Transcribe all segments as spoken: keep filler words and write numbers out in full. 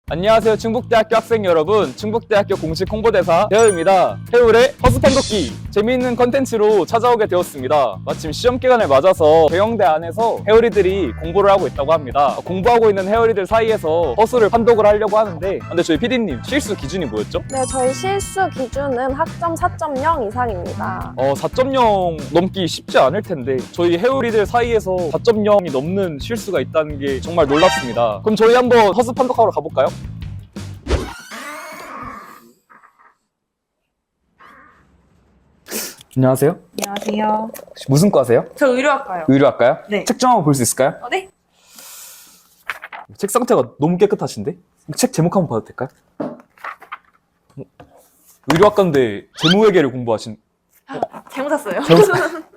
안녕하세요 충북대학교 학생 여러분, 충북대학교 공식 홍보대사 태우입니다. 태울의 허스판독기 재미있는 컨텐츠로 찾아오게 되었습니다. 마침 시험기간을 맞아서 대형대 안에서 해오리들이 공부를 하고 있다고 합니다. 공부하고 있는 해오리들 사이에서 허수를 판독을 하려고 하는데, 근데 저희 피디님 실수 기준이 뭐였죠? 네, 저희 실수 기준은 학점 사 점 영 이상입니다. 어, 사 점 영 넘기 쉽지 않을 텐데 저희 해오리들 사이에서 사 점 영이 넘는 실수가 있다는 게 정말 놀랍습니다. 그럼 저희 한번 허수 판독하러 가볼까요? 안녕하세요. 안녕하세요. 혹시 무슨 과세요? 저 의료학과요. 의료학과요? 네. 책 좀 한번 볼 수 있을까요? 어, 네? 책 상태가 너무 깨끗하신데? 책 제목 한번 봐도 될까요? 어, 의료학과인데 재무회계를 공부하신... 잘못 샀어요. 잘못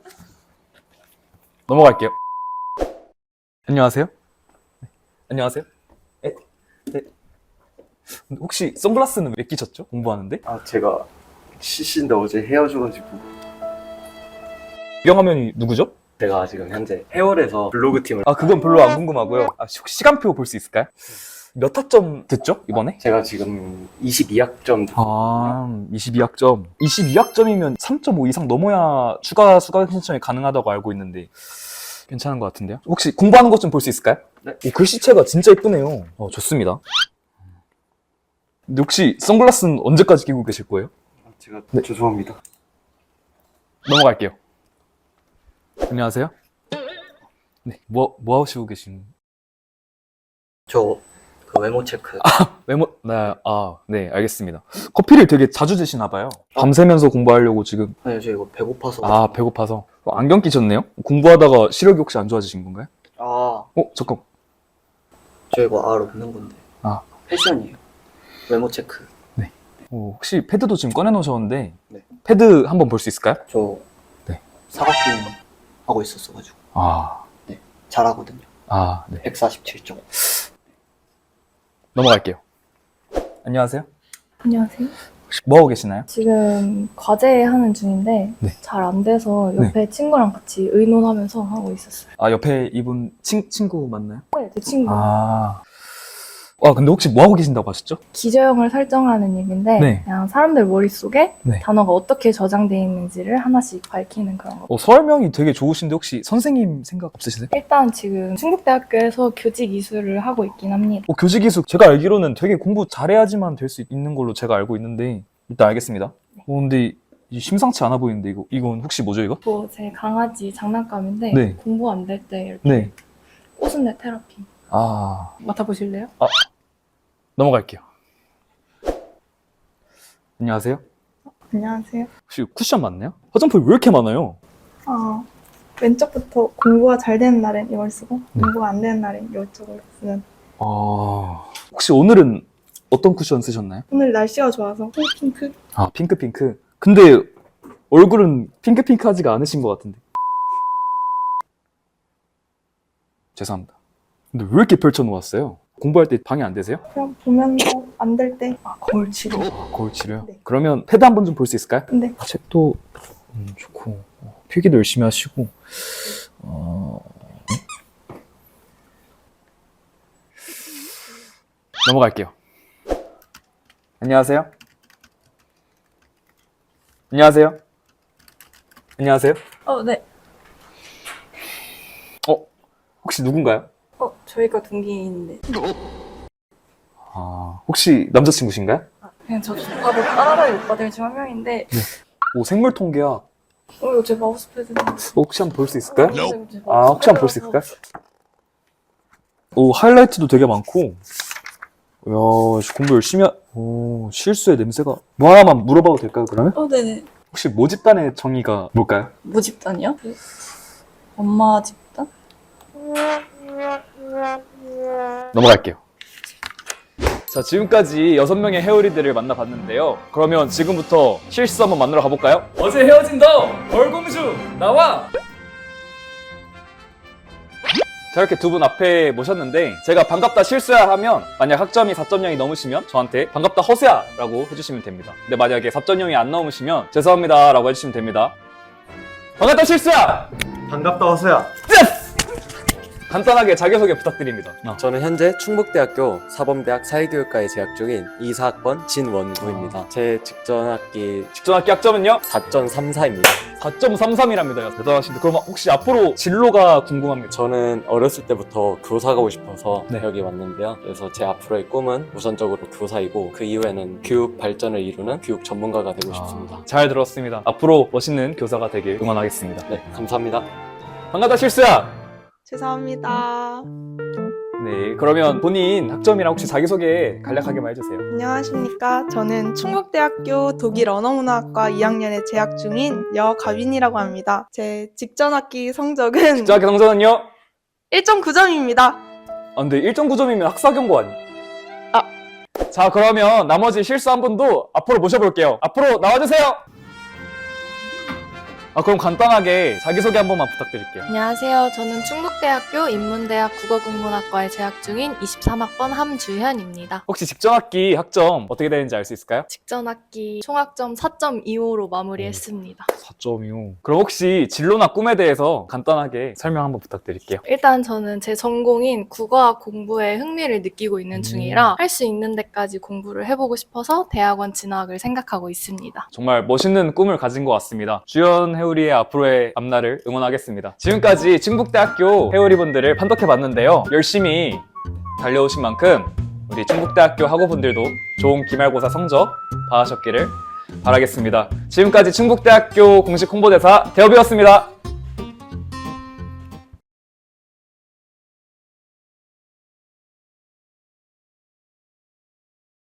넘어갈게요. 안녕하세요. 네. 안녕하세요. 에? 네. 근데 혹시 선글라스는 왜 끼셨죠? 공부하는데? 아 제가 씨씨인데 어제 헤어져가지고. 입영화면이 누구죠? 제가 지금 현재 해월에서 블로그 팀을. 아 그건 별로 안 궁금하고요. 아, 혹시 시간표 볼 수 있을까요? 몇 학점 됐죠? 이번에? 제가 지금 이십이 학점. 아, 이십이 학점. 이십이 학점이면 삼 점 오 이상 넘어야 추가 수강 신청이 가능하다고 알고 있는데 괜찮은 것 같은데요? 혹시 공부하는 것 좀 볼 수 있을까요? 네. 오, 글씨체가 진짜 예쁘네요. 어, 좋습니다. 근데 혹시 선글라스는 언제까지 끼고 계실 거예요? 제가 네. 죄송합니다. 넘어갈게요. 안녕하세요. 네, 뭐, 뭐 하시고 계신? 저 그 외모 체크. 메모, 네, 아, 네, 알겠습니다. 커피를 되게 자주 드시나 봐요. 밤새면서 공부하려고 지금. 아니 저 이거 배고파서. 아, 배고파서. 어, 안경 끼셨네요? 공부하다가 시력이 혹시 안 좋아지신 건가요? 아, 어, 잠깐. 저 이거 알 없는 건데. 아. 패션이에요. 외모 체크. 어, 혹시 패드도 지금 꺼내놓으셨는데, 네. 패드 한번 볼 수 있을까요? 저 네. 사각 게임 하고 있었어가지고 아, 잘하거든요. 아, 네. 백사십칠 점. 넘어갈게요. 안녕하세요. 안녕하세요. 혹시 뭐 하고 계시나요? 지금 과제 하는 중인데 네. 잘 안 돼서 옆에 친구랑 같이 의논하면서 하고 있었어요. 아, 옆에 이분 친, 친구 맞나요? 네, 제 친구. 아. 아, 근데 혹시 뭐 하고 계신다고 하셨죠? 기저형을 설정하는 일인데 네. 그냥 사람들 머릿속에 네. 단어가 어떻게 저장되어 있는지를 하나씩 밝히는 그런 거. 어, 설명이 되게 좋으신데 혹시 선생님 생각 없으시세요? 일단 지금 충북대학교에서 교직 이수를 하고 있긴 합니다. 어, 교직이수 제가 알기로는 되게 공부 잘해야지만 될 수 있는 걸로 제가 알고 있는데 일단 알겠습니다. 어, 근데 이 심상치 않아 보이는데 이거 이건 혹시 뭐죠 이거? 뭐 제 강아지 장난감인데 네. 공부 안 될 때 이렇게 네. 꼬순내 테라피 아, 맡아보실래요? 넘어갈게요. 안녕하세요. 안녕하세요. 혹시 쿠션 맞나요? 화장품이 왜 이렇게 많아요? 어, 왼쪽부터 공부가 잘 되는 날엔 이걸 쓰고 네. 공부가 안 되는 날엔 이쪽을 쓰는. 아, 혹시 오늘은 어떤 쿠션 쓰셨나요? 오늘 날씨가 좋아서 핑크. 아, 핑크핑크. 근데 얼굴은 핑크핑크하지가 않으신 것 같은데. 죄송합니다. 근데 왜 이렇게 펼쳐놓았어요? 공부할 때 방해 안 되세요? 그냥 보면서 안 될 때 아, 거울 치료. 아, 거울 치료요? 네. 그러면 패드 한 번 좀 볼 수 있을까요? 네. 아, 책도 음, 좋고 어, 필기도 열심히 하시고 어... 넘어갈게요. 안녕하세요. 안녕하세요. 안녕하세요. 어, 네. 어, 혹시 누군가요? 어, 저희가 동기인데. 아, 혹시 남자친구신가요? 그냥 저 오빠들 따라다니 오빠들 중 한 명인데 오, 생물 통계학. 어, 이거 제 마우스패드인데. 혹시 한번 볼 수 있을까요? 어, 제 아, 혹시 한번 볼 수 있을까요? 오, 하이라이트도 되게 많고. 이야, 씨, 공부 열심히 하... 오, 실수의 냄새가... 뭐 하나만 물어봐도 될까요, 그러면? 어, 네네. 혹시 모집단의 정의가 뭘까요? 뭐 집단이요? 그 엄마 집단? 넘어갈게요. 자, 지금까지 여섯 명의 해오리들을 만나봤는데요. 그러면 지금부터 실수 한번 만나러 가볼까요? 어제 헤어진 너! 벌공주! 나와! 자, 이렇게 두 분 앞에 모셨는데 제가 반갑다 실수야 하면 만약 학점이 사 점 영이 넘으시면 저한테 반갑다 허수야 라고 해주시면 됩니다. 근데 만약에 사 점 영이 안 넘으시면 죄송합니다 라고 해주시면 됩니다. 반갑다 실수야! 반갑다 허수야. 간단하게 자기소개 부탁드립니다. 어. 저는 현재 충북대학교 사범대학 사회교육과에 재학 중인 이사 학번 진원구입니다. 제 직전 학기 직전 학기 학점은요? 사 점 삼사입니다. 사 점 삼삼이랍니다. 대단하신데 그럼 혹시 앞으로 진로가 궁금합니다. 저는 어렸을 때부터 교사 가고 싶어서 네. 여기 왔는데요. 그래서 제 앞으로의 꿈은 우선적으로 교사이고 그 이후에는 교육 발전을 이루는 교육 전문가가 되고 싶습니다. 아, 잘 들었습니다. 앞으로 멋있는 교사가 되길 응원하겠습니다. 네, 감사합니다. 반갑다 실수야. 죄송합니다. 네, 그러면 본인 학점이랑 혹시 자기소개 간략하게만 해주세요. 안녕하십니까. 저는 충북대학교 독일 언어문화학과 이 학년에 재학 중인 여가빈이라고 합니다. 제 직전 학기 성적은 직전 학기 성적은요? 일 점 구 점입니다. 아, 근데 일 점 구 점이면 학사경고 아니? 아. 자, 그러면 나머지 실수 한 분도 앞으로 모셔볼게요. 앞으로 나와주세요. 아, 그럼 간단하게 자기소개 한 번만 부탁드릴게요. 안녕하세요. 저는 충북대학교 인문대학 국어국문학과에 재학 중인 이십삼 학번 함주현입니다. 혹시 직전 학기 학점 어떻게 되는지 알 수 있을까요? 직전 학기 총학점 사 점 이오로 마무리했습니다. 사 점 이오. 그럼 혹시 진로나 꿈에 대해서 간단하게 설명 한번 부탁드릴게요. 일단 저는 제 전공인 국어학 공부에 흥미를 느끼고 있는 음. 중이라 할 수 있는 데까지 공부를 해보고 싶어서 대학원 진학을 생각하고 있습니다. 정말 멋있는 꿈을 가진 것 같습니다. 주연 해우리의 앞으로의 앞날을 응원하겠습니다. 지금까지 충북대학교 해우리분들을 판독해봤는데요. 열심히 달려오신 만큼 우리 충북대학교 학우분들도 좋은 기말고사 성적 받으셨기를 바라겠습니다. 지금까지 충북대학교 공식 홍보대사 대업이었습니다.